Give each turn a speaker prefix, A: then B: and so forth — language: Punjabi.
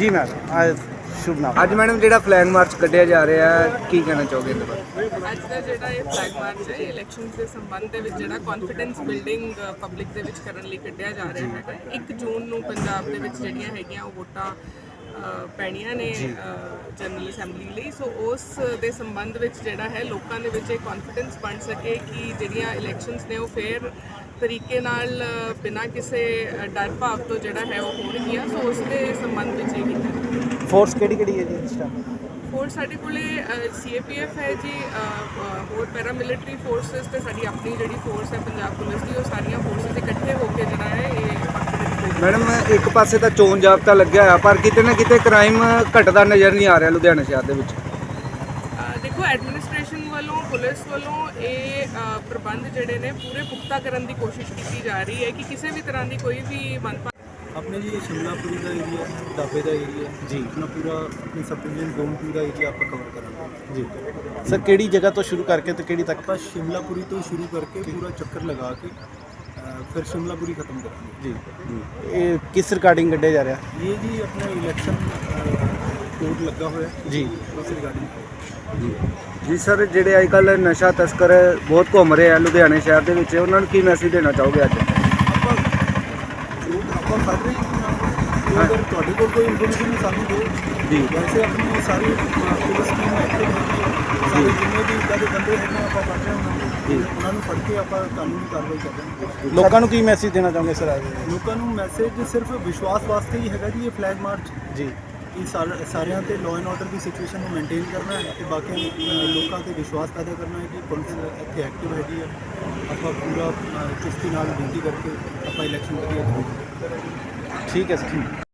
A: जी मैम शुभ नाम
B: ਅੱਜ ਮੈਡਮ ਜਿਹੜਾ ਫਲੈਗ ਮਾਰਚ ਕੱਢਿਆ ਜਾ ਰਿਹਾ ਹੈ ਕੀ ਕਹਿਣਾ ਚਾਹੋਗੇ ਇਹਦੇ ਬਾਰੇ?
C: ਅੱਜ ਦਾ ਜਿਹੜਾ ਇਹ ਫਲੈਗ ਮਾਰਚ ਹੈ ਇਲੈਕਸ਼ਨਸ ਦੇ ਸੰਬੰਧ ਦੇ ਵਿੱਚ ਜਿਹੜਾ ਕੌਨਫੀਡੈਂਸ ਬਿਲਡਿੰਗ ਪਬਲਿਕ ਦੇ ਵਿੱਚ ਕਰਨ ਲਈ ਕੱਢਿਆ ਜਾ ਰਿਹਾ ਹੈਗਾ 1 ਜੂਨ ਨੂੰ ਪੰਜਾਬ ਦੇ ਵਿੱਚ ਜਿਹੜੀਆਂ ਹੈਗੀਆਂ ਉਹ ਵੋਟਾਂ ਪੈਣੀਆਂ ਨੇ ਜਨਰਲ ਅਸੈਂਬਲੀ ਲਈ। ਸੋ ਉਸ ਦੇ ਸੰਬੰਧ ਵਿੱਚ ਜਿਹੜਾ ਹੈ ਲੋਕਾਂ ਦੇ ਵਿੱਚ ਇਹ ਕੌਨਫੀਡੈਂਸ ਬਣ ਸਕੇ ਕਿ ਜਿਹੜੀਆਂ ਇਲੈਕਸ਼ਨਸ ਨੇ ਉਹ ਫੇਅਰ ਤਰੀਕੇ ਨਾਲ ਬਿਨਾਂ ਕਿਸੇ ਡਰ ਭਾਵ ਤੋਂ ਜਿਹੜਾ ਹੈ ਉਹ ਹੋਣਗੀਆਂ। ਸੋ ਉਸ ਦੇ ਸੰਬੰਧ ਵਿੱਚ ਇਹ ਕੀਤਾ
A: फोर्स केड़ी है जी इस टाइम?
C: ਫੋਰਸ ਸਾਡੇ ਕੋਲੇ CAPF ਹੈ ਜੀ, ਹੋਰ ਪੈਰਾਮਿਲਟਰੀ ਫੋਰਸਿਸ ਤੇ ਸਾਡੀ ਆਪਣੀ ਜਿਹੜੀ ਫੋਰਸ ਹੈ ਪੰਜਾਬ ਪੁਲਿਸ ਦੀ, ਉਹ ਸਾਰੀਆਂ ਫੋਰਸਿਸ ਇਕੱਠੇ ਹੋ ਕੇ ਜਿਹੜਾ ਹੈ ਇਹ
B: ਮੈਡਮ ਇੱਕ ਪਾਸੇ ਤਾਂ ਚੋਣ ਜਾਬਤਾ ਲੱਗਿਆ ਹੋਇਆ ਪਰ ਕਿਤੇ ਨਾ ਕਿਤੇ ਕ੍ਰਾਈਮ ਘਟਦਾ ਨਜ਼ਰ ਨਹੀਂ ਆ ਰਿਹਾ ਲੁਧਿਆਣਾ ਸ਼ਹਿਰ ਦੇ ਵਿੱਚ।
C: ਦੇਖੋ ਐਡਮਿਨਿਸਟ੍ਰੇਸ਼ਨ ਵੱਲੋਂ ਪੁਲਿਸ ਵੱਲੋਂ ਇਹ ਪ੍ਰਬੰਧ ਜਿਹੜੇ ਨੇ ਪੂਰੇ ਪੁਖਤਾ ਕਰਨ ਦੀ ਕੋਸ਼ਿਸ਼ ਕੀਤੀ ਜਾ ਰਹੀ ਹੈ ਕਿ ਕਿਸੇ ਵੀ ਤਰ੍ਹਾਂ ਦੀ ਕੋਈ ਵੀ ਮਨਪਾ
D: अपने जी शिमलापुरी का एरिया ढाबे का एरिया
A: जी
D: अपना पूरा अपनी सब डिवीजन जोन का एरिया आप कवर करेंगे
A: जी सर केड़ी जगह तो शुरू करके तो केड़ी तक?
D: आप शिमलापुरी तो शुरू करके पूरा चक्कर लगा के फिर शिमलापुरी ख़त्म करेंगे
A: जी ये किस रिगार्डिंग कढ़े जा रहा
D: ये जी अपना इलेक्शन कोड लगा हुआ है
A: जी
D: उस रिगार्डिंग
B: ਜੀ ਸਰ ਜਿਹੜੇ ਅੱਜ ਕੱਲ੍ਹ ਨਸ਼ਾ ਤਸਕਰ ਬਹੁਤ ਘੁੰਮ ਰਹੇ ਆ ਲੁਧਿਆਣੇ ਸ਼ਹਿਰ ਦੇ ਵਿੱਚ ਉਹਨਾਂ ਨੂੰ ਕੀ ਮੈਸੇਜ ਦੇਣਾ ਚਾਹੋਗੇ ਅੱਜ?
D: ਆਪਾਂ ਕਰ ਰਹੇ ਹਾਂ ਅਗਰ ਤੁਹਾਡੇ ਕੋਲ ਕੋਈ ਇਨਫੋਰਮੇਸ਼ਨ ਹੈ ਸਾਨੂੰ ਦਿਓ
A: ਜੀ
D: ਵੈਸੇ ਆਪਣੀ ਸਾਰੀ ਪੁਲਿਸ ਟੀਮ ਐਕਟਿਵ ਹੈਗੀ ਹੈ ਸਾਰੇ ਜਿੰਨੇ ਵੀ ਇੱਦਾਂ ਦੇ ਬੰਦੇ ਹੈਗੇ ਆਪਾਂ ਫੜ ਰਹੇ ਹਾਂ ਉਹਨਾਂ ਨੂੰ ਫੜ ਕੇ ਆਪਾਂ ਕਾਨੂੰਨੀ ਕਾਰਵਾਈ ਕਰ ਰਹੇ ਹਾਂ।
A: ਲੋਕਾਂ ਨੂੰ ਕੀ ਮੈਸੇਜ ਦੇਣਾ ਚਾਹੋਗੇ ਸਰ ਅੱਜ?
D: ਲੋਕਾਂ ਨੂੰ ਮੈਸੇਜ ਸਿਰਫ ਵਿਸ਼ਵਾਸ ਵਾਸਤੇ ਹੀ ਹੈਗਾ ਜੀ ਇਹ ਫਲੈਗ ਮਾਰਚ
A: ਜੀ
D: ਕਿ ਸਾਰਿਆਂ ਤੇ ਲਾਅ ਐਂਡ ਆਰਡਰ ਦੀ ਸਿਚੁਏਸ਼ਨ ਨੂੰ ਮੇਨਟੇਨ ਕਰਨਾ ਹੈ ਤੇ ਬਾਕੀ ਲੋਕਾਂ ਤੇ ਵਿਸ਼ਵਾਸ ਪੈਦਾ ਕਰਨਾ ਹੈ ਕਿ ਪੁਲਿਸ ਇੱਥੇ ਐਕਟਿਵ ਹੈਗੀ ਹੈ। ਆਪਾਂ ਪੂਰਾ ਚੁਸਤੀ ਨਾਲ ਡਿਊਟੀ ਕਰਕੇ ਆਪਾਂ ਇਲੈਕਸ਼ਨ ਵਧੀਆ ਕਰਾਂਗੇ।
A: ठीक है सर।